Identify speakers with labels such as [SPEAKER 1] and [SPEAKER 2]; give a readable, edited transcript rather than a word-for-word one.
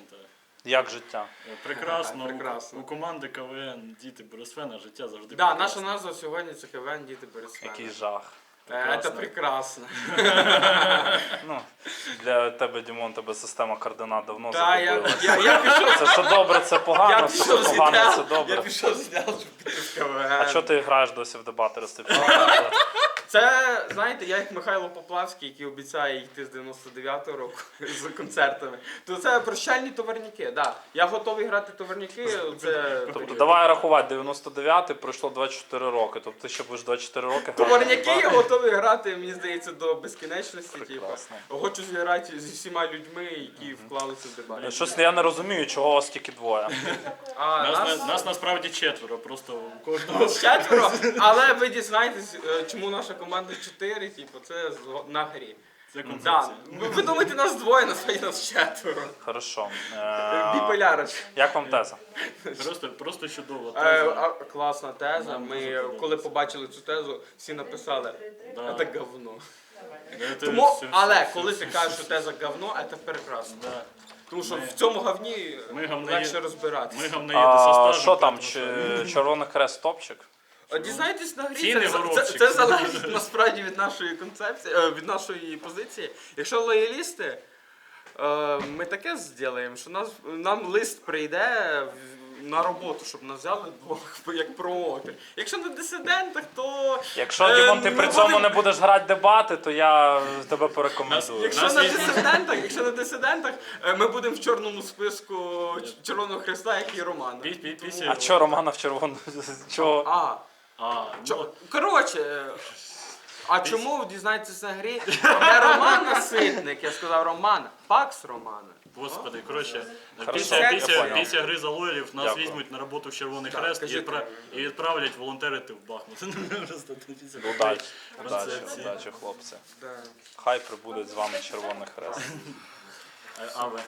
[SPEAKER 1] та.
[SPEAKER 2] Як життя?
[SPEAKER 1] Прекрасно.
[SPEAKER 3] Прекрасно.
[SPEAKER 1] У команди КВН «Діти Борисфена» життя завжди
[SPEAKER 3] Да,
[SPEAKER 1] прекрасне.
[SPEAKER 3] наша назва сьогодні це КВН «Діти Борисфена».
[SPEAKER 2] Який жах.
[SPEAKER 3] Це прекрасно.
[SPEAKER 2] Ну, для тебе, Дімон, тебе система координат давно
[SPEAKER 3] Та, я
[SPEAKER 2] загубилася.
[SPEAKER 3] пішов.
[SPEAKER 2] Це що добре, це погано,
[SPEAKER 3] Я
[SPEAKER 2] це
[SPEAKER 3] пішов з
[SPEAKER 2] погано, це
[SPEAKER 3] ідеал,
[SPEAKER 2] добре.
[SPEAKER 3] я пішов з ідеал, щоб піти в КВН.
[SPEAKER 2] А чого ти граєш досі в дебатерстві?
[SPEAKER 3] Це, знаєте, я як Михайло Поплавський, який обіцяє йти з 99-го року з концертами. То це прощальні товарняки, да. Я готовий грати товарняки, це...
[SPEAKER 2] Тобто давай рахувати, 99-й пройшло 24 роки, тобто ти ще будеш 24 роки грати.
[SPEAKER 3] Товарняки я готовий грати, мені здається, до безкінечності.
[SPEAKER 2] Прекрасно.
[SPEAKER 3] Хочу зіграти зі всіма людьми, які вклалися в дебати.
[SPEAKER 2] Щось я не розумію, чого вас тільки двоє.
[SPEAKER 3] А
[SPEAKER 1] Нас насправді четверо, просто у кожного.
[SPEAKER 3] четверо, але ви дізнаєтесь, чому наша команда 4, типу, це на грі.
[SPEAKER 1] Це
[SPEAKER 3] Да.
[SPEAKER 1] концепція.
[SPEAKER 3] Ви думаєте, нас двоє, насправді нас четверо.
[SPEAKER 2] Хорошо.
[SPEAKER 3] Біполярич.
[SPEAKER 2] Як вам теза?
[SPEAKER 1] Просто чудово.
[SPEAKER 3] Класна теза. Ми, коли побачили цю тезу, всі написали,
[SPEAKER 1] Да.
[SPEAKER 3] це говно.
[SPEAKER 1] Це
[SPEAKER 3] Тому,
[SPEAKER 1] все-
[SPEAKER 3] але
[SPEAKER 1] все-
[SPEAKER 3] коли
[SPEAKER 1] все-
[SPEAKER 3] ти кажеш,
[SPEAKER 1] все-
[SPEAKER 3] що теза говно, це прекрасно.
[SPEAKER 1] Да.
[SPEAKER 3] Тому що
[SPEAKER 1] Ми-
[SPEAKER 3] в цьому говні
[SPEAKER 1] ми говноє-
[SPEAKER 3] легше розбиратися.
[SPEAKER 1] Ми говноїди со стажем.
[SPEAKER 2] Що там,
[SPEAKER 1] поэтому що?
[SPEAKER 2] Червоний Хрест топчик?
[SPEAKER 3] Дізнайтесь на грі,
[SPEAKER 1] Ціни
[SPEAKER 3] це
[SPEAKER 1] горобчик.
[SPEAKER 3] залежить насправді від нашої концепції, від нашої позиції. Якщо лоялісти, ми таке зробимо, що нам лист прийде на роботу, щоб нас взяли двох як промоутер. Якщо на дисидентах, то...
[SPEAKER 2] Якщо, Дімон, ти
[SPEAKER 3] ми
[SPEAKER 2] при цьому
[SPEAKER 3] будемо-
[SPEAKER 2] не будеш грати дебати, то я тебе порекомендую.
[SPEAKER 3] Якщо
[SPEAKER 1] Нас
[SPEAKER 3] якщо на дисидентах, ми будемо в чорному списку Червоного Хреста, як і Роман.
[SPEAKER 1] Після-
[SPEAKER 2] А чого Романа в червону? Чого?
[SPEAKER 1] Ну,
[SPEAKER 3] Коротше, а чому дізнаєтесь на грі? Не Роман Наситник, я сказав Роман, Пакс Романа.
[SPEAKER 1] Господи, коротше,
[SPEAKER 2] Хорошо, я понял.
[SPEAKER 1] після гри за лоялів нас
[SPEAKER 2] Дякую.
[SPEAKER 1] візьмуть на роботу в Червоний
[SPEAKER 3] Так,
[SPEAKER 1] Хрест
[SPEAKER 3] кажіть.
[SPEAKER 1] і відправлять волонтерити в Бахмут. Просто після такої
[SPEAKER 2] Удачі,
[SPEAKER 1] концепції.
[SPEAKER 2] удачі, хлопці.
[SPEAKER 3] Да.
[SPEAKER 2] Хай прибуде з вами Червоний Хрест.
[SPEAKER 1] А ви?